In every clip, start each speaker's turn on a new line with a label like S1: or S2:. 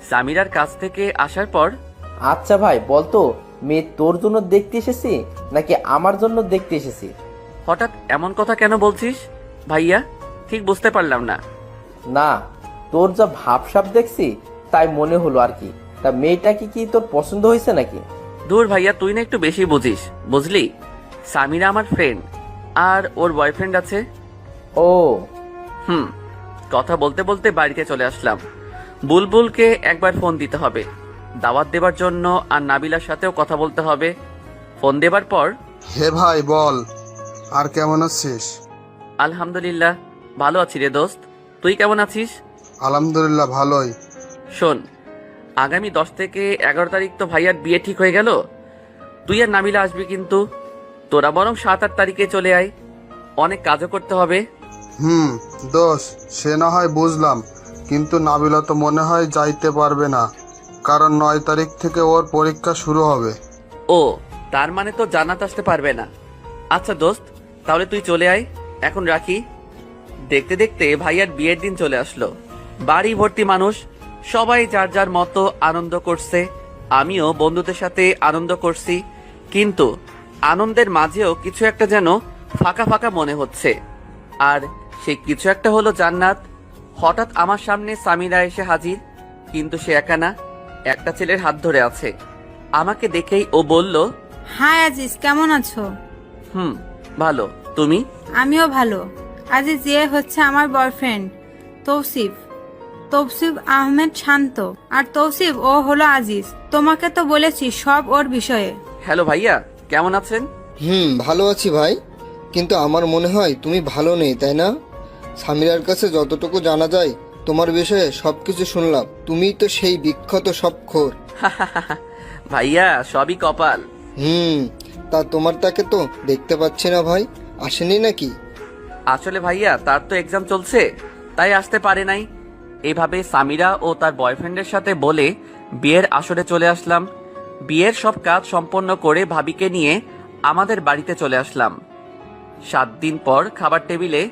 S1: সামিরার কাছ থেকে আসার পর
S2: আচ্ছা ভাই বলতো, মেয়ে তোর জন্য দেখতে এসেছি নাকি আমার জন্য দেখতে এসেছি?
S1: হঠাৎ এমন কথা কেন বলছিস ভাইয়া? ঠিক বুঝতে পারলাম না।
S2: না, তোর যা ভাবসাব দেখছি তাই মনে হলো আর কি। তা মেয়েটা কি তোর পছন্দ হয়েছে নাকি?
S1: দূর ভাইয়া, তুই না একটু বেশি বুঝিস, বুঝলি? সামিরা আমার ফ্রেন্ড, আর ওর বয়ফ্রেন্ড আছে।
S2: ও
S1: কথা বলতে বলতে বাড়িতে চলে আসলাম। বুলবুলকে একবার ফোন দিতে হবে দাওয়াত দেবার জন্য, আর নাবিলার সাথেও কথা বলতে হবে। ফোন দেবার পর,
S3: হে ভাই বল, আর কেমন আছিস?
S1: আলহামদুলিল্লাহ ভালো আছি রে দোস্ত, তুই কেমন আছিস?
S3: আলহামদুলিল্লাহ ভালোই।
S1: শোন, আগামী 10 থেকে 11 তারিখ তো ভাইয়ার বিয়ে ঠিক হয়ে গেল। তুই আর নাবিলা আসবি, কিন্তু তোরা বরং 7-8 তারিখে চলে আয়, অনেক কাজও করতে হবে।
S3: দোষ, সে না হয় বুঝলাম, কিন্তু নাবিলা তো মনে হয় যাইতে পারবে না, কারণ 9 তারিখ থেকে ওর পরীক্ষা শুরু হবে।
S1: ও, তার মানে তো জান্নাত আসতে পারবে না। আচ্ছা দোস্ত, তাহলে তুই চলে আয়, এখন রাখি। দেখতে দেখতে ভাইয়ার বিয়ের দিন চলে আসলো। বাড়ি ভর্তি মানুষ, সবাই যার যার মতো আনন্দ করছে। আমিও বন্ধুদের সাথে আনন্দ করছি, কিন্তু আনন্দের মাঝেও কিছু একটা যেন ফাঁকা ফাঁকা মনে হচ্ছে। আর সেই কিছু একটা হলো জান্নাত। হঠাৎ আমার সামনে সামিরা এসে হাজির, কিন্তু সে একা না, একটা ছেলের হাত ধরে আছে। আমাকে দেখেই ও বলল,
S4: হাই আজিজ, কেমন আছো?
S1: ভালো, তুমি?
S4: আমিও ভালো। আজিজ, এ হচ্ছে আমার বয়ফ্রেন্ড তৌসিফ, তৌসিফ আহমেদ শান্ত। আর তৌসিফ, ও হলো আজিজ। তোমাকে তো বলেছি সব ওর বিষয়ে।
S1: হ্যালো ভাইয়া, কেমন আছেন?
S5: ভালো আছি ভাই, কিন্তু আমার মনে হয় তুমি ভালো নেই, তাই না? সামিরার কাছে যতটুকু জানা যায় তোমার বিষয়ে সবকিছু শুনলাম, তুমিই তো সেই বিখ্যাত সবখোর।
S1: ভাইয়া, সবই কপাল।
S5: তা তোমার তাকে তো দেখতে পাচ্ছি না ভাই, আসেনি নাকি?
S1: আসলে ভাইয়া, তার তো এক্সাম চলছে, তাই আসতে পারে নাই। এভাবে সামিরা ও তার বয়ফ্রেন্ডের সাথে বলে বিয়ের আসরে চলে আসলাম। বিয়ের সব কাজ সম্পন্ন করে ভাবিকে নিয়ে আমাদের বাড়িতে চলে আসলাম। 7 দিন পর খাবার টেবিলে।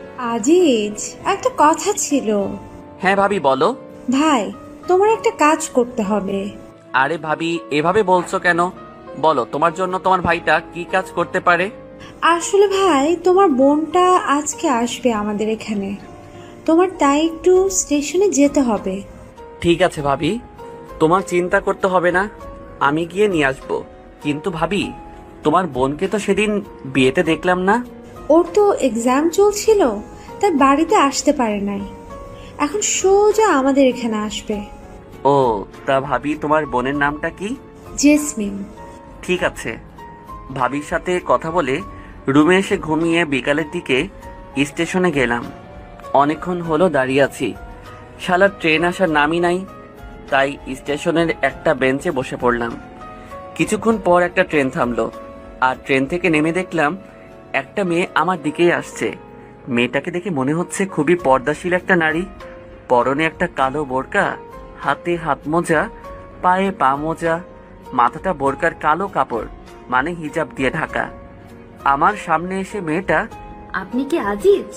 S6: আজিজ, একটা কথা ছিল।
S1: হ্যাঁ ভাবি, বলো।
S6: ভাই, তোমার একটা কাজ করতে হবে।
S1: আরে ভাবি, এভাবে বলছো কেন? বলো, তোমার জন্য তোমার ভাইটা কি কাজ করতে পারে?
S6: আসলে ভাই, তোমার বোনটা আজকে আসবে আমাদের এখানে, তোমার তাই একটু স্টেশনে যেতে হবে।
S1: ঠিক আছে ভাবি, তোমার চিন্তা করতে হবে না, আমি গিয়ে নিয়ে আসবো। কিন্তু ভাবি, তোমার বোনকে তো সেদিন বিয়েতে দেখলাম না।
S6: ওর তো এক্সাম চলছিল, তাই বাড়িতে আসতে পারে নাই। এখন সোজা আমাদের এখানে আসবে।
S1: ও, তা ভাবি, তোমার বোনের নামটা কি?
S6: জেসমিন।
S1: ঠিক আছে। ভাবির সাথে কথা বলে রুমে এসে ঘুমিয়ে বিকালের দিকে স্টেশনে গেলাম। অনেকক্ষণ হলো দাঁড়িয়ে আছি, শালা ট্রেন আসার নামই নাই। তাই স্টেশনের একটা বেঞ্চে বসে পড়লাম। কিছুক্ষণ পর একটা ট্রেন থামলো, আর ট্রেন থেকে নেমে দেখলাম একটা মেয়ে আমার দিকেই আসছে। মেয়েটাকে দেখে মনে হচ্ছে খুবই পর্দাশীল একটা নারী। পরনে একটা কালো বোরকা, হাতে হাত মোজা, পায়ে পা মোজা, মাথাটা বোরকার কালো কাপড় মানে হিজাব দিয়ে ঢাকা। আমার সামনে এসে মেয়েটা,
S7: আপনি কি আজিজ?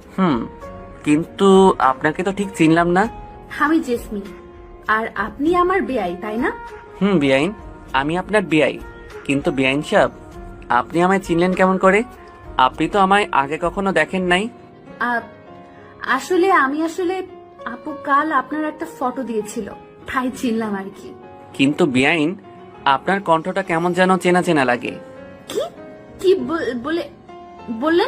S1: কিন্তু আপনাকে তো ঠিক চিনলাম না।
S7: আমি জেসমিন, আর আপনি আমার বেয়াই, তাই না?
S1: বেআইন, আমি আপনার বেআই। কিন্তু বেআইন সাহেব, আপনি আমায় চিনলেন কেমন করে? আপনি তো আমায় আগে কখনো দেখেন নাই।
S7: আসলে আপু কাল আপনার একটা ফটো দিয়েছিল, তাই চিনলাম আর কি।
S1: কিন্তু বেআইন, আপনার কণ্ঠটা কেমন যেন চেনা চেনা লাগে।
S7: কি কি বললেন?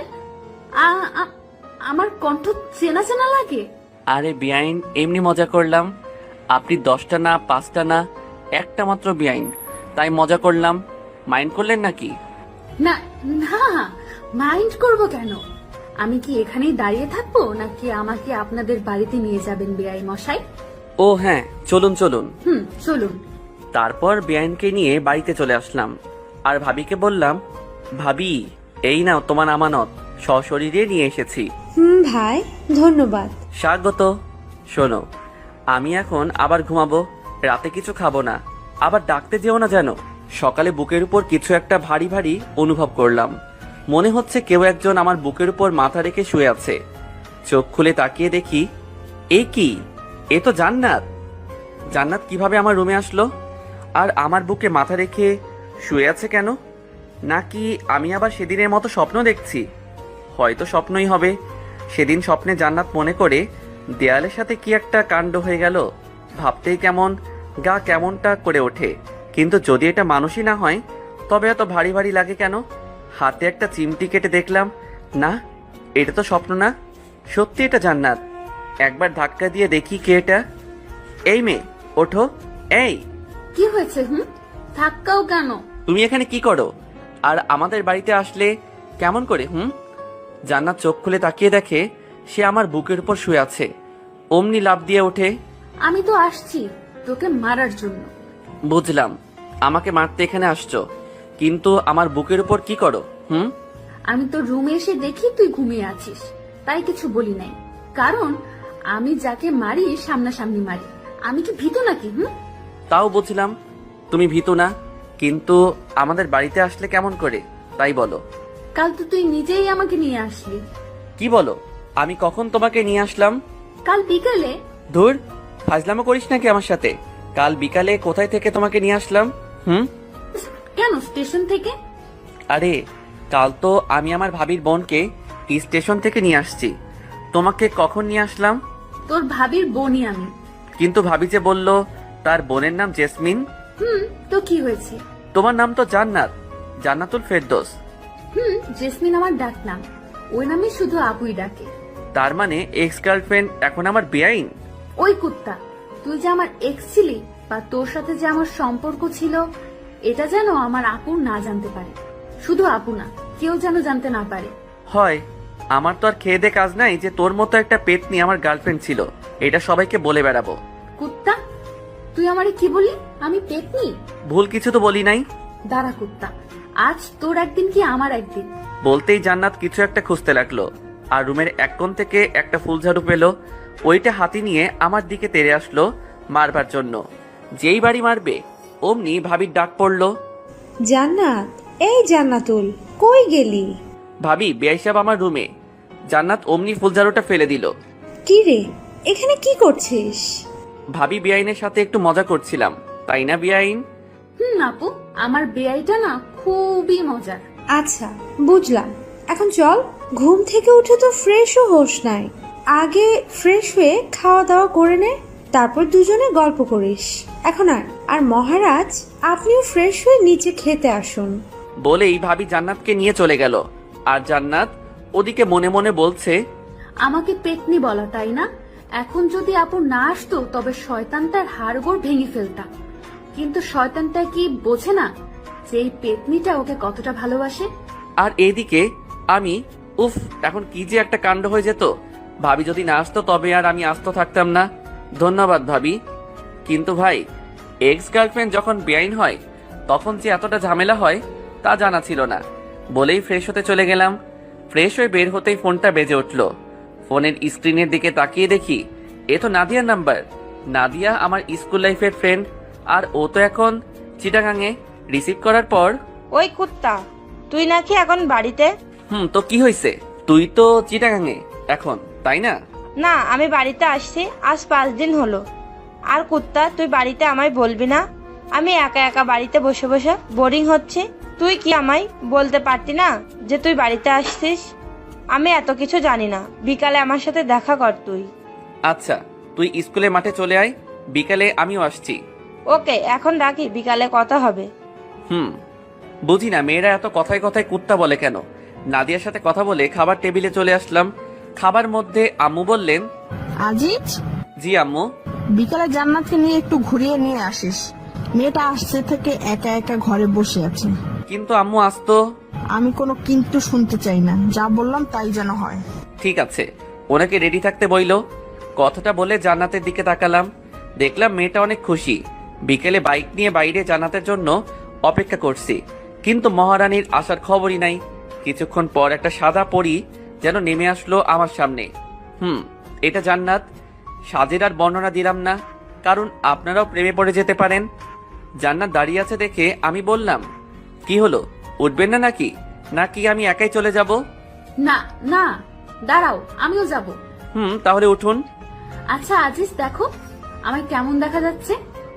S7: আমার কণ্ঠ চেনা চেনা লাগে?
S1: আরে বেআইন, এমনি মজা করলাম। আপনি 10টা না 5টা না, একটা মাত্র বেআইন, তাই মজা করলাম। মাইন্ড করলেন নাকি?
S7: না না, মাইন্ড করব কেন? আমি কি এখানেই দাঁড়িয়ে থাকবো, নাকি আমাকে আপনাদের বাড়িতে নিয়ে যাবেন বেআই মশাই?
S1: ও হ্যাঁ, চলুন চলুন।
S7: চলুন।
S1: তারপর বেআইনকে নিয়ে বাড়িতে চলে আসলাম, আর ভাবিকে বললাম, ভাবি, এই নাও তোমার আমানত, সশরীরে নিয়ে এসেছি।
S6: ভাই, ধন্যবাদ।
S1: স্বাগত। শোনো, আমি এখন আবার ঘুমাবো, রাতে কিছু খাবো না, আবার ডাকতে যেও না যেন। সকালে বুকের উপর কিছু একটা ভারী ভারী অনুভব করলাম, মনে হচ্ছে কেউ একজন আমার বুকের উপর মাথা রেখে শুয়ে আছে। চোখ খুলে তাকিয়ে দেখি, এ কি, এ তো জান্নাত। জান্নাত কিভাবে আমার রুমে আসলো আর আমার বুকে মাথা রেখে শুয়ে আছে কেন? নাকি আমি আবার সেদিনের মতো স্বপ্ন দেখছি? হয়তো স্বপ্নই হবে। সেদিন স্বপ্নে জান্নাত মনে করে দেয়ালের সাথে কি একটা কাণ্ড হয়ে গেল। ভাবতেই কেমন গা কেমনটা করে ওঠে। কিন্তু যদি এটা মানুষই না হয় তবে এত ভারী ভারী লাগে কেন? হাতে একটা চিমটি কেটে দেখলাম, না এটা তো স্বপ্ন না, সত্যি এটা জান্নাত। একবার ধাক্কা দিয়ে দেখি কে এটা। এই মেয়ে ওঠো। এই
S7: কি হয়েছে? ধাক্কাও কেন?
S1: তুমি এখানে কি করো আর আমাদের বাড়িতে আসলে কেমন করে? জান্নাত চোখ খুলে তাকিয়ে দেখে সে আমার বুকের উপর শুয়ে আছে। অমনি লাফ দিয়ে ওঠে।
S7: আমি তো আসছি তোকে মারার জন্য।
S1: বুঝলাম, আমাকে মারতে এখানে আসছো, কিন্তু আমার বুকের উপর কি করো?
S7: আমি তো রুমে এসে দেখি তুই ঘুমিয়ে আছিস, তাই কিছু বলি নাই। কারণ আমি যাকে মারি সামনাসামনি মারি। আমি কি ভীতু নাকি?
S1: তাও বুঝলাম তুমি ভীতু না, কিন্তু আমাদের বাড়িতে আসলে কেমন করে তাই বলো।
S7: কাল তো তুই নিজেই আমাকে নিয়ে আসলি।
S1: কি বলো? আমি কখন তোমাকে নিয়ে আসলাম?
S7: কাল বিকালে।
S1: ধুর, ফাজলামো করিস নাকি আমার সাথে? কাল বিকালে কোথায় থেকে তোমাকে নিয়ে আসলাম?
S7: কেন স্টেশন থেকে?
S1: আরে কাল তো আমি আমার ভাবির বোনকে স্টেশন থেকে নিয়ে আসছি। তোমাকে কখন নিয়ে আসলাম?
S7: তোর ভাবির বোনই আমি।
S1: কিন্তু ভাবি যে বলল তার বোনের নাম জেসমিন।
S7: তো কি হয়েছে?
S1: তোমার নাম তো জান্নাত, জান্নাতুল ফেরদৌস।
S7: জেসমিন আমার ডাক নাম, ওই নামে শুধু আপুই ডাকে।
S1: তার মানে এক্স গার্লফ্রেন্ড এখন আমার বেআইন?
S7: ওই কুত্তা, তুই যে আমার এক্স ছিলি বা তোর সাথে যে আমার সম্পর্ক ছিল এটা যেন আমার আপু না জানতে পারে। শুধু আপু না, কেউ যেন জানতে না পারে।
S1: হয়, আমার তো আর খেয়ে দে কাজ নাই যে তোর মতো একটা পেতনি আমার গার্লফ্রেন্ড ছিল এটা সবাইকে বলে বেড়াবো।
S7: কুত্তা, তুই আমারে কি বলি? আমি পেতনি?
S1: ভুল কিছু তো বলি নাই।
S7: দাঁড়া কুত্তা, আজ তোর একদিন কি আমার একদিন।
S1: বলতেই জান্নাত কিছু একটা খুঁজতে লাগলো আর রুমের এক কোণ থেকে একটা ফুলঝাড়ু পেল। ওইটা হাতি নিয়ে আমার দিকে তেড়ে আসলো মারবার জন্য। যেই বাড়ি মারবে অমনি ভাবির ডাক পড়লো,
S6: জান্নাত, এই জান্নাতুল, কই গেলি?
S1: ভাবি বেআই সাহেব আমার রুমে। জান্নাত অমনি ফুলঝাড়ুটা ফেলে দিল।
S6: কি রে, এখানে কি করছিস?
S1: ভাবি বেআইনের সাথে একটু মজা করছিলাম, তাই না বেআইন?
S7: আপু, আমার বেআইটা না খুবই মজার।
S6: আচ্ছা, বুঝলাম। এখন চল, ঘুম থেকে উঠে তো ফ্রেশও হোস নাই। আগে ফ্রেশ হয়ে খাওয়া দাওয়া করে নে, তারপর দুজনে গল্প করিস। এখন আর মহারাজ, আপনিও ফ্রেশ হয়ে নিচে খেতে আসুন।
S1: বলেই ভাবি জান্নাতকে নিয়ে চলে গেল। আর জান্নাত ওদিকে মনে মনে বলছে,
S7: আমাকে পেতনি বলা, তাই না? এখন যদি আপু না আসতো তবে শয়তানটার হাড়গোড় ভেঙে ফেলতাম। কিন্তু শয়তানটা কি বোঝে না যে এই পেতনিটা ওকে কতটা ভালোবাসে?
S1: আর এদিকে আমি, উফ, এখন কি যে একটা কাণ্ড হয়ে যেত। ভাবি যদি না আসতো তবে আর আমি আস্ত থাকতাম না। ধন্যবাদ ভাবি। কিন্তু ভাই, এক্স গার্লফ্রেন্ড যখন বেআইন হয় তখন যে এতটা ঝামেলা হয় তা জানা ছিল না। বলেই ফ্রেশ হতে চলে গেলাম। ফ্রেশ হয়ে বের হতেই ফোনটা বেজে উঠল। ফোনের স্ক্রিনের দিকে তাকিয়ে দেখি এ তো নাদিয়ার নাম্বার। নাদিয়া আমার স্কুল লাইফের ফ্রেন্ড, আর ও তো এখন চিটাগাঙে। রিসিভ করার পর,
S8: ওই কুত্তা, তুই নাকি এখন বাড়িতে?
S1: তো কি হয়েছে? তুই তো চিটাগাঙে এখন, তাই না?
S8: না, আমি বাড়িতে আসছি আজ 5 দিন হলো। আর কুত্তা, তুই বাড়িতে আমায় বলবি না? আমি একা একা বাড়িতে বসে বসে বোরিং হচ্ছে। তুই কি আমায় বলতে পারতি না যে তুই বাড়িতে আসছিস? আমি এত কিছু জানি না। বিকালে আমার সাথে দেখা কর তুই।
S1: আচ্ছা, তুই স্কুলের মাঠে চলে আয়, বিকালে আমিও আসছি।
S8: ওকে, এখন রাখি, বিকালে কথা হবে।
S1: বুঝি না মেয়েরা এত কথায় কথায় কুত্তা বলে কেন। নাদিয়ার সাথে কথা বলে খাবার টেবিলে চলে আসলাম। খাবার মধ্যে আম্মু বললেন,
S9: আজিজ,
S1: জি আম্মু।
S9: বিকালে জান্নাতকে নিয়ে একটু ঘুরিয়ে নিয়ে আসিস। মেয়েটা আসছে থেকে একা একা ঘরে বসে আছে।
S1: কিন্তু আম্মু আসতো।
S9: আমি কোনো কিন্তু শুনতে চাই না, যা বললাম তাই যেন হয়।
S1: ঠিক আছে, ওনাকে রেডি থাকতে বইলো। কথাটা বলে জান্নাতের দিকে তাকালাম। দেখলাম মেয়েটা অনেক খুশি। বিকেলে বাইক নিয়ে বাইরে জান্নাতের জন্য অপেক্ষা করছি, কিন্তু মহারানীর আসার খবরই নাই। কিছুক্ষণ পর একটা সাদা পরী যেন নেমে আসলো আমার সামনে। এটা জান্নাত। সাজের আর বর্ণনা দিলাম না, কারণ আপনারাও প্রেমে পড়ে যেতে পারেন। জান্নাত দাঁড়িয়ে আছে দেখে আমি বললাম, কি হলো, উঠবেন না নাকি? নাকি আমি একাই চলে যাব?
S7: না না, দাঁড়াও, আমিও যাব।
S1: তাহলে উঠুন।
S7: আচ্ছা আজিজ, দেখো আমায় কেমন দেখা যাচ্ছে?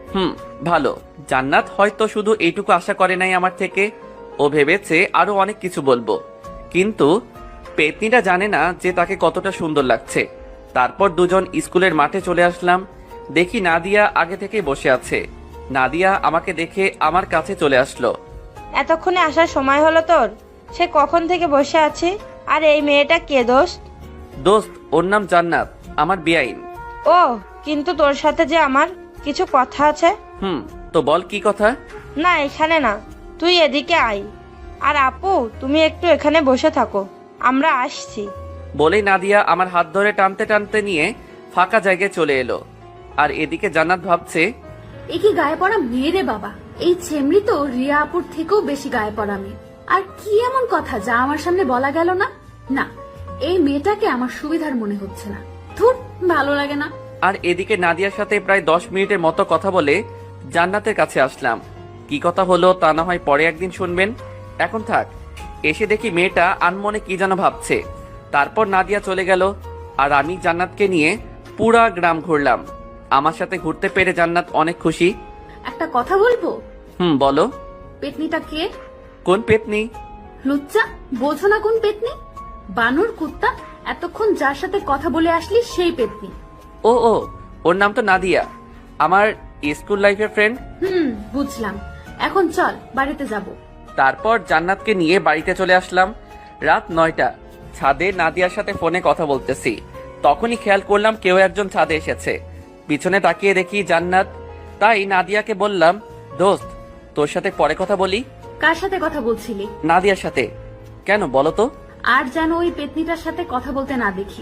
S1: ভালো। জান্নাত হয়তো শুধু এইটুকু আশা করে নাই আমার থেকে, ও ভেবেছে আরো অনেক কিছু বলবো, কিন্তু পেতনিটা জানে না যে তাকে কতটা সুন্দর লাগছে। তারপর দুজন স্কুলের মাঠে চলে আসলাম। দেখি নাদিয়া আগে থেকেই বসে আছে। নাদিয়া আমাকে দেখে আমার কাছে চলে আসলো।
S8: এতক্ষণে আসার সময় হলো তোর? সে কখন থেকে বসে আছে? আর এই মেয়েটা কে দোস্ত?
S1: দোস্ত, ওর নাম জান্নাত, আমার বেআইন।
S8: ও, কিন্তু তোর সাথে যে আমার কিছু কথা আছে।
S1: তো বল কি কথা?
S8: না, এখানে না, তুই এদিকে আয়। আর আপু, তুমি একটু এখানে বসে থাকো, আমরা আসছি।
S1: বলেই নাদিয়া আমার হাত ধরে টানতে টানতে নিয়ে ফাঁকা জায়গায় চলে এলো। আর এদিকে জান্নাত ভাবছে,
S7: এ কি গায়ে পড়া মেয়ে রে বাবা! এই ছেমড়ি তো রিয়া আপুর থেকেও বেশি গায়ে পড়া মেয়ে। আর কি এমন কথা যা আমার সামনে বলা গেল না? না, এই মেয়েটাকে আমার সুবিধার মনে হচ্ছে না। ধুর, ভালো লাগে না।
S1: আর এদিকে নাদিয়ার সাথে প্রায় 10 মিনিটের মতো কথা বলে জান্নাতের কাছে আসলাম। কি কথা হলো তা না হয় পরে একদিন শুনবেন, এখন থাক। এসে দেখি মেয়েটা আনমনে কি যেন ভাবছে। তারপর নাদিয়া চলে গেল আর আমি জান্নাতকে নিয়ে পুরা গ্রাম ঘুরলাম। আমার সাথে ঘুরতে পেরে জান্নাত অনেক খুশি।
S7: একটা কথা বলবো?
S1: বলো।
S7: পেতনিটা কে?
S1: কোন পেতনি?
S7: লুচ্চা, বোঝো না কোন পেতনি? বানর কুত্তা, এতক্ষণ যার সাথে কথা বলে আসলি সেই পেতনি।
S1: ও, ওর নাম তো নাদিয়া, আমার স্কুল লাইফের ফ্রেন্ড।
S7: বুঝলাম। এখন চল, বাড়িতে যাব।
S1: তারপর জান্নাতকে নিয়ে বাড়িতে চলে আসলাম। রাত 9টা। ছাদে নাদিয়ার সাথে ফোনে কথা বলতেছি। তখনই খেয়াল করলাম কেউ একজন ছাদে এসেছে। পিছনে তাকিয়ে দেখি জান্নাত। তাই নাদিয়াকে বললাম, দোস্ত, তোর সাথে পরে কথা বলি।
S7: কার সাথে কথা বলছিলি?
S1: নাদিয়ার সাথে। কেন বলো তো?
S7: আর যেন ওই পেতনিটার সাথে কথা বলতে না দেখি।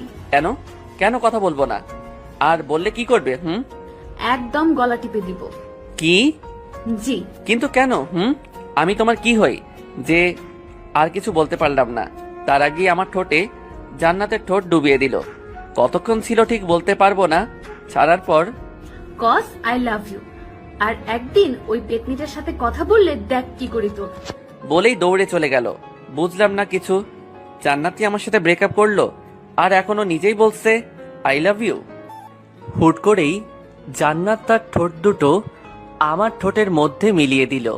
S1: কেন কথা বলবো না? আর বললে কি করবে?
S7: একদম গলা টিপে দিব।
S1: কি?
S7: জি।
S1: কিন্তু কেন? আমি তোমার কি হই যে? আর কিছু বলতে পারলাম না। তার আগে আমার ঠোঁটে জান্নাতের ঠোঁট ডুবিয়ে দিল। কতক্ষণ ছিল ঠিক বলতে পারবো না। ছাড়ার পর,
S7: কজ আই লাভ ইউ। আর একদিন ওই পেতনিটার সাথে কথা বললে দেখ কি করি তোর।
S1: বলেই দৌড়ে চলে গেল। বুঝলাম না কিছু। জান্নাতি আমার সাথে ব্রেকআপ করলো আর এখনো নিজেই বলছে আই লাভ ইউ। হুট করেই জান্নাত তার ঠোঁট দুটো আমার ঠোঁটের মধ্যে মিলিয়ে দিল।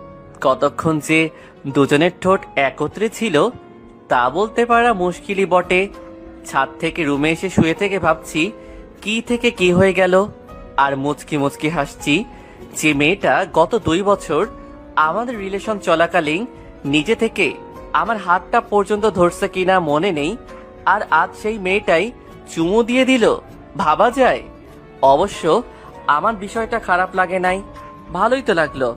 S1: কতক্ষণ যে দুজনের ঠোঁট একত্রে ছিল তা বলতে পারা মুশকিলই বটে। ছাদ থেকে রুমে এসে শুয়ে থেকে ভাবছি কি থেকে কি হয়ে গেল। আর মুচকি মুচকি হাসছি যে মেয়েটা গত 2 বছর আমাদের রিলেশন চলাকালীন নিজে থেকে আমার হাতটা পর্যন্ত ধরছে কিনা মনে নেই, আর আজ সেই মেয়েটাই চুমু দিয়ে দিল। ভাবা যায়? অবশ্য আমার বিষয়টা খারাপ লাগে নাই, ভালোই তো লাগলো।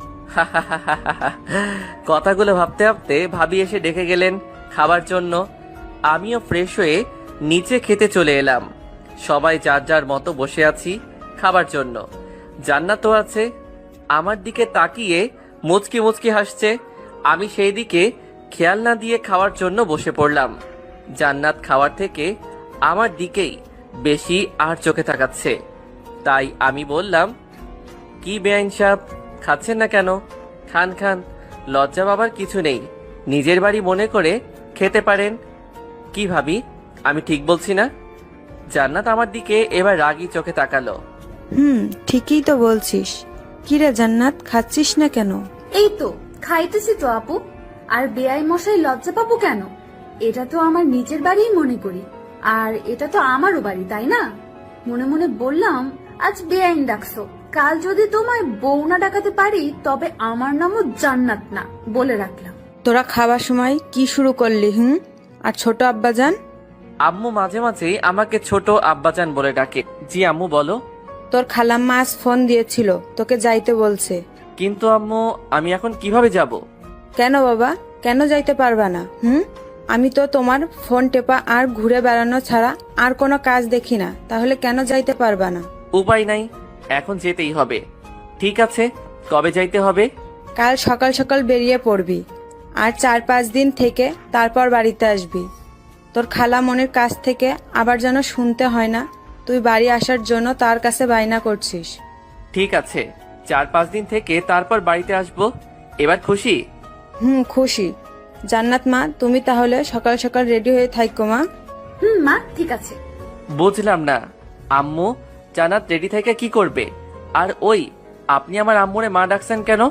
S1: কথাগুলো ভাবতে ভাবতে ভাবি এসে ডেকে গেলেন খাবার জন্য। আমিও ফ্রেশ হয়ে নিচে খেতে চলে এলাম। সবাই যার যার মতো বসে আছি খাবার জন্য। জান্নাতও আছে। আমার দিকে তাকিয়ে মুচকি মুচকি হাসছে। আমি সেই দিকে খেয়াল না দিয়ে খাওয়ার জন্য বসে পড়লাম। জান্নাত খাওয়ার থেকে আমার দিকেই বেশি আর চোখে তাকাচ্ছে। তাই আমি বললাম, কি বেআইন সাহেব, খাচ্ছেন না কেন? খান খান, লজ্জা পাবার কিছু নেই। নিজের বাড়ি মনে করে খেতে পারেন। কি ভাবি, আমি ঠিক বলছি না? জান্নাত আমার দিকে এবার রাগী চোখে তাকালো।
S4: ঠিকই তো বলছিস। কিরে জান্নাত, খাচ্ছিস না কেন?
S7: এই তো খাইতেছি তো আপু। আর বেআই মশাই লজ্জা পাবো কেন? এটা তো আমার নিজের বাড়িই মনে করি। আর এটা তো আমারও বাড়ি, তাই না? মনে মনে বললাম, আজ বেআইন ডাকছো, কাল যদি তোমায় বউ না ডাকাতে পারি তবে আমার নামও জান্নাত না, বলে রাখলাম।
S4: তোরা খাবার সময় কি শুরু করলি? আর ছোট আব্বাজান?
S1: আম্মু মাঝে মাঝে আমাকে ছোট আব্বাজান বলে ডাকে। জি আম্মু বলো।
S4: তোর খালাম্মা আজ ফোন দিয়েছিল, তোকে যাইতে বলছে।
S1: কিন্তু আম্মু, আমি এখন কিভাবে যাব?
S4: কেন বাবা, কেন যাইতে পারবা না? আমি তো তোমার ফোন টেপা আর ঘুরে বেড়ানো ছাড়া আর কোনো কাজ দেখি না, তাহলে কেন যাইতে পারবা না?
S1: উপায় নাই, এখন যেতেই হবে। ঠিক আছে, কবে যাইতে হবে?
S4: কাল সকাল সকাল বেরিয়ে পড়বি, আর 4-5 দিন থেকে তারপর বাড়িতে আসবি। তোর খালা মনির কাছ থেকে আবার যেন শুনতে হয় না তুই বাড়ি আসার জন্য তার কাছে বায়না করছিস।
S1: ঠিক আছে, 4-5 দিন থেকে তারপর বাড়িতে আসবো। এবার খুশি?
S4: খুশি। জান্নাত মা, তুমি তাহলে সকাল সকাল রেডি হয়ে থাকো মা।
S7: মা, ঠিক আছে।
S1: বুঝলাম না আম্মু, জান্নাত রেডি থেকে কি করবে? আর ওই আপনি আমার আম্মুরে মা ডাকছেন কেন?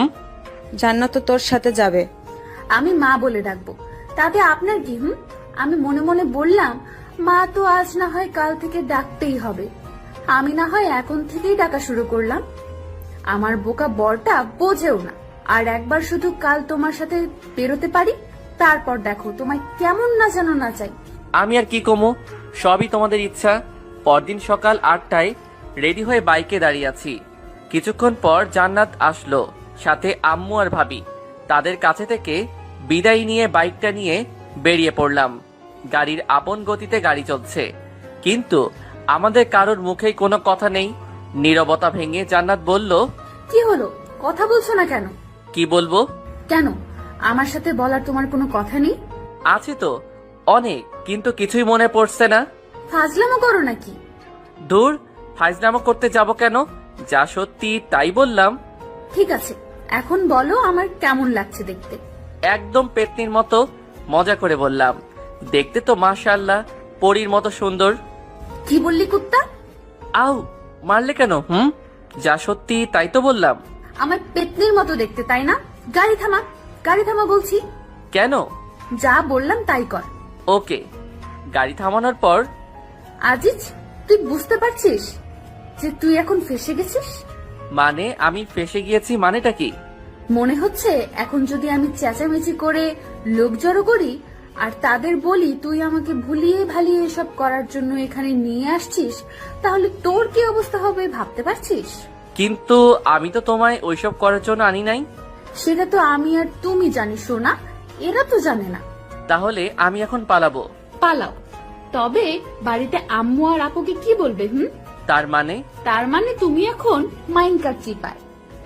S4: জান্নাত তো তোর সাথে যাবে।
S7: আমি মা বলে ডাকবো, তাতে আপনার কি? আমি মনে মনে বললাম, মা তো আজ না হয় কাল থেকে ডাকতেই হবে, আমি না হয় এখন থেকেই ডাকা শুরু করলাম। আমার বোকা বরটা বোঝেও না। আর একবার শুধু কাল তোমার সাথে বেরোতে পারি, তারপর দেখো তোমায় কেমন না যেন না চাই।
S1: আমি আর কি কমো, সবই তোমাদের ইচ্ছা। পরদিন সকাল 8টায় রেডি হয়ে বাইকে দাঁড়িয়ে আছি। কিছুক্ষণ পর জান্নাত আসলো, সাথে আম্মু আর ভাবি। তাদের কাছে থেকে বিদায় নিয়ে বাইকটা নিয়ে বেরিয়ে পড়লাম। গাড়ির আপন গতিতে গাড়ি চলছে, কিন্তু আমাদের কারোর মুখেই কোনো কথা নেই। নীরবতা ভেঙে জান্নাত বলল,
S7: কি হলো, কথা বলছো না কেন?
S1: কি বলবো?
S7: কেন, আমার সাথে বলার তোমার কোনো কথা নেই?
S1: আছে তো অনেক, কিন্তু কিছুই মনে পড়ছে না।
S7: ফাজলামো করো নাকি?
S1: দূর, ফাইজলামো করতে যাব কেন? যা সত্যি তাই বললাম।
S7: ঠিক আছে, এখন বলো আমার কেমন লাগছে দেখতে।
S1: একদম পেতনির মতো, মজা করে বললাম। দেখতে তো মাশাআল্লাহ পরীর মতো সুন্দর।
S7: কি বললি কুত্তা?
S1: আউ, মারলে কেন? যা সত্যি তাই তো বললাম।
S7: আমার পেতনির মতো দেখতে, তাই না? গাড়ি থামা, গাড়ি থামা বলছি।
S1: কেন?
S7: যা বললাম তাই কর।
S1: ওকে। গাড়ি থামানোর পর,
S7: আজিজ, তুই বুঝতে পারছিস যে তুই এখন ফেসে গেছিস?
S1: মানে আমি ফেসে গিয়েছি মানেটা কি?
S7: মনে হচ্ছে এখন যদি আমি চেঁচামেচি করে লোক জড়ো করি আর তাদের বলি তুই আমাকে ভুলিয়ে ভালিয়ে এসব করার জন্য এখানে নিয়ে আসছিস, তাহলে তোর কি অবস্থা হবে ভাবতে পারছিস?
S1: কিন্তু আমি তো তোমায় ওইসব করার জন্য আনি নাই।
S7: সেটা তো আমি আর তুমি জানি সোনা, এরা তো জানে না।
S1: তাহলে আমি এখন পালাবো।
S7: পালাও, তবে বাড়িতে আম্মু আর আপুকে কি বলবে?
S1: তার মানে?
S7: তার মানে তুমি এখন মাইনকার চিপায়।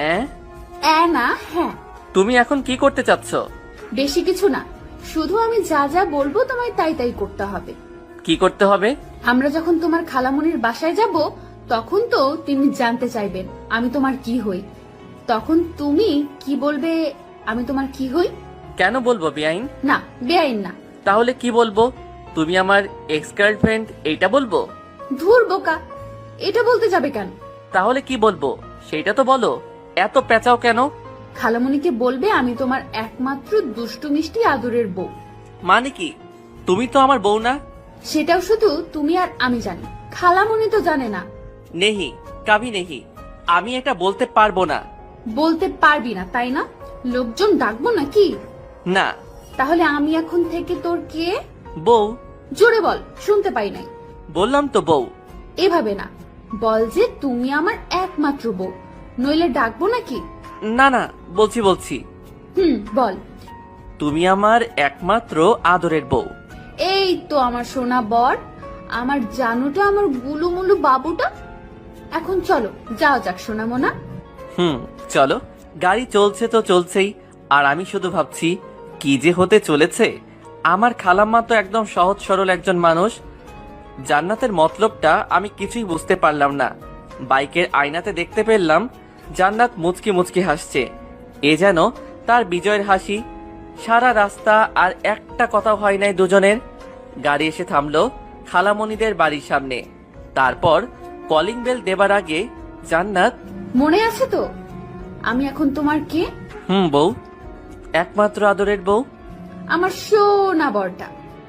S7: না, হ্যাঁ।
S1: তুমি এখন কি করতে চাচ্ছ?
S7: বেশি কিছু না, শুধু আমি যা যা বলবো তোমায় তাই তাই করতে হবে।
S1: কি করতে হবে?
S7: আমরা যখন তোমার খালামণির বাসায় যাব, তখন তো তিনি জানতে চাইবেন আমি তোমার কি হই। তখন তুমি কি বলবে? আমি তোমার কি হই?
S1: কেন বলবো বেআইন?
S7: না, বেআইন না।
S1: তাহলে কি বলবো? তুমি আমার এক্স গার্লফ্রেন্ড এইটা বলবো?
S7: ধুর বোকা, এটা বলতে যাবে কেন?
S1: তাহলে কি বলবো সেটা তো বলো, এত পেঁচাও কেন?
S7: খালামণিকে বলবে আমি তোমার একমাত্র দুষ্টু মিষ্টি আদরের বউ।
S1: মানে কি? তুমি তো আমার বউ না।
S7: সেটাও শুধু তুমি আর আমি জানি, খালামণি তো জানে না।
S1: নেহি, কাভি নেহি। আমি এটা বলতে পারবো না।
S7: বলতে পারবি না, তাই না? লোকজন ডাকবো নাকি?
S1: না।
S7: তাহলে আমি এখন থেকে তোর কে?
S1: বউ।
S7: জোরে বল, শুনতে পাই নাই।
S1: বললাম তো বউ।
S7: এভাবে না, বল যে তুমি আমার একমাত্র বউ, নইলে ডাকবো নাকি?
S1: না না, বলছি।
S7: বল।
S1: তুমি আমার একমাত্র আদরের বউ।
S7: এই তো আমার সোনা বর, আমার জানুটা, আমার গুলুমুলু বাবুটা। এখন চলো যাও যাক সোনা মোনা।
S1: চলো। গাড়ি চলছে তো চলছেই, আর আমি শুধু ভাবছি কি যে হতে চলেছে। আমার খালাম্মা তো একদম সহজ সরল একজন মানুষ। জান্নাতের মতলবটা আমি কিছুই বুঝতে পারলাম না। বাইকের আয়নাতে দেখতে পেলাম জান্নাত মুচকি মুচকি হাসছে। এ যেন তার বিজয়ের হাসি। সারা রাস্তা আর একটা কথা হয় নাই দুজনের। গাড়ি এসে থামলো খালামণিদের বাড়ির সামনে। তারপর কলিং বেল দেবার আগে জান্নাত,
S7: মনে আছে তো আমি এখন তোমার কে?
S1: বউ, একমাত্র আদরের বউ।
S7: আমার সোনা বরটা,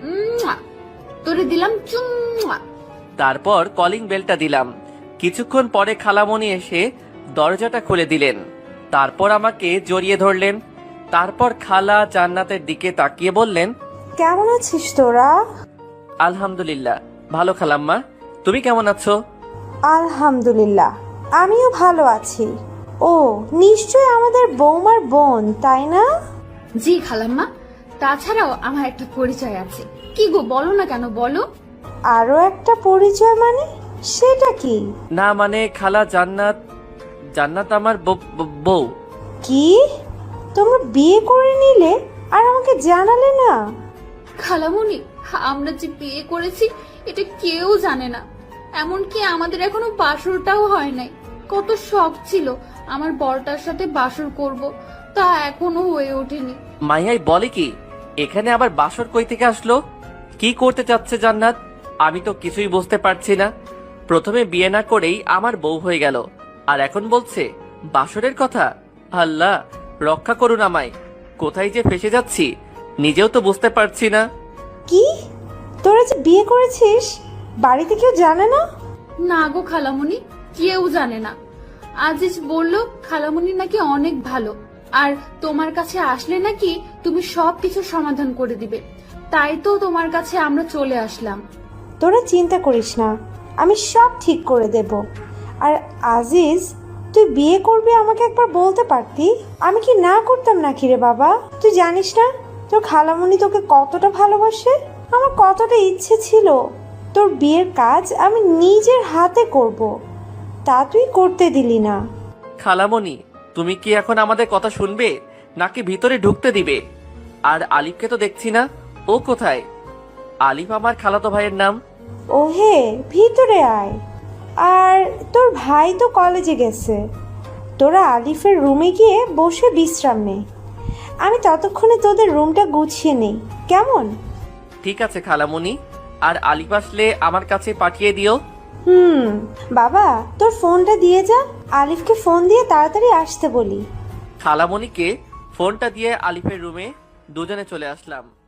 S7: তোরে দিলাম চুম্মা।
S1: তারপর কলিং বেলটা দিলাম। কিছুক্ষণ পরে খালামণি এসে দরজাটা খুলে দিলেন। তারপর আমাকে জড়িয়ে ধরলেন। তারপর খালা জান্নাতের দিকে তাকিয়ে বললেন,
S6: কেমন আছিস তোরা?
S1: আলহামদুলিল্লাহ ভালো খালাম্মা, তুমি কেমন আছো?
S6: আলহামদুলিল্লাহ, আমিও ভালো আছি। ও নিশ্চয় আমাদের বৌমার বোন, তাই না?
S7: জি খালাম্মা, তাছাড়াও আমার একটা পরিচয় আছে। কি গো, বলো না কেন, বলো।
S6: আরো একটা পরিচয় মানে? সেটা কি?
S1: না মানে খালা, জান্নাত আমার বউ।
S6: কি, তোমরা বিয়ে করে নিলে আর আমাকে জানালে না?
S7: খালামণি, আমরা যে বিয়ে করেছি এটা কেউ জানে না। এমনকি আমাদের এখনো বাসরটাও হয় নাই। কত শখ ছিল আমার বরটার সাথে বাসর করব, তা এখনো হয়ে ওঠেনি।
S1: মাইয়াই বলে কি, এখানে আবার বাসর কই থেকে আসলো? কি করতে চাচ্ছে জান্নাত? আমি তো কিছুই বুঝতে পারছি না। প্রথমে বিয়ে না করেই আমার বউ হয়ে গেল, আর এখন বলছে বাসরের কথা। আল্লাহ রক্ষা করুন আমায়, কোথায় যে ফেসে যাচ্ছি নিজেও তো বুঝতে পারছি না।
S6: কি, তোরা যে বিয়ে করেছিস বাড়িতে কেউ জানে না?
S7: না গো খালামণি, কেউ জানে না। আজিজ বলল খালামণি নাকি অনেক ভালো, আর তোমার কাছে আসলে নাকি তুমি সবকিছু সমাধান করে দিবে। তাই তো তোমার কাছে আমরা চলে আসলাম।
S6: তোরা চিন্তা করিস না, আমি সব ঠিক করে দেব। আর আজিজ, তুই বিয়ে করবি আমাকে একবার বলতে পারতি, আমি কি না করতাম নাকি রে বাবা? তুই জানিস না তোর খালামণি তোকে কতটা ভালোবাসে। আমার কতটা ইচ্ছে ছিল তোর বিয়ের কাজ আমি নিজের হাতে করব, তা তুই করতে দিলি না।
S1: খালামণি, তুমি কি এখন আমাদের কথা শুনবে নাকি ভিতরে ঢুকতে দিবে? আর আলিফকে তো দেখছি না, ও কোথায়? আলিফ আমার খালাতো ভাইয়ের নাম।
S6: ও হে, ভিতরে আয়। আর তোর ভাই তো কলেজে গেছে, তোরা আলিফের রুমে গিয়ে বসে বিশ্রাম নে, আমি ততক্ষণে তোদের রুমটা গুছিয়ে নেই, কেমন?
S1: ঠিক আছে খালামণি, আর আলিফ আসলে আমার কাছে পাঠিয়ে দিও।
S6: বাবা, তোর ফোনটা দিয়ে যা, আলিফকে ফোন দিয়ে তাড়াতাড়ি আসতে বলি।
S1: খালামণিকে ফোনটা দিয়ে আলিফের রুমে দুজনে চলে আসলাম।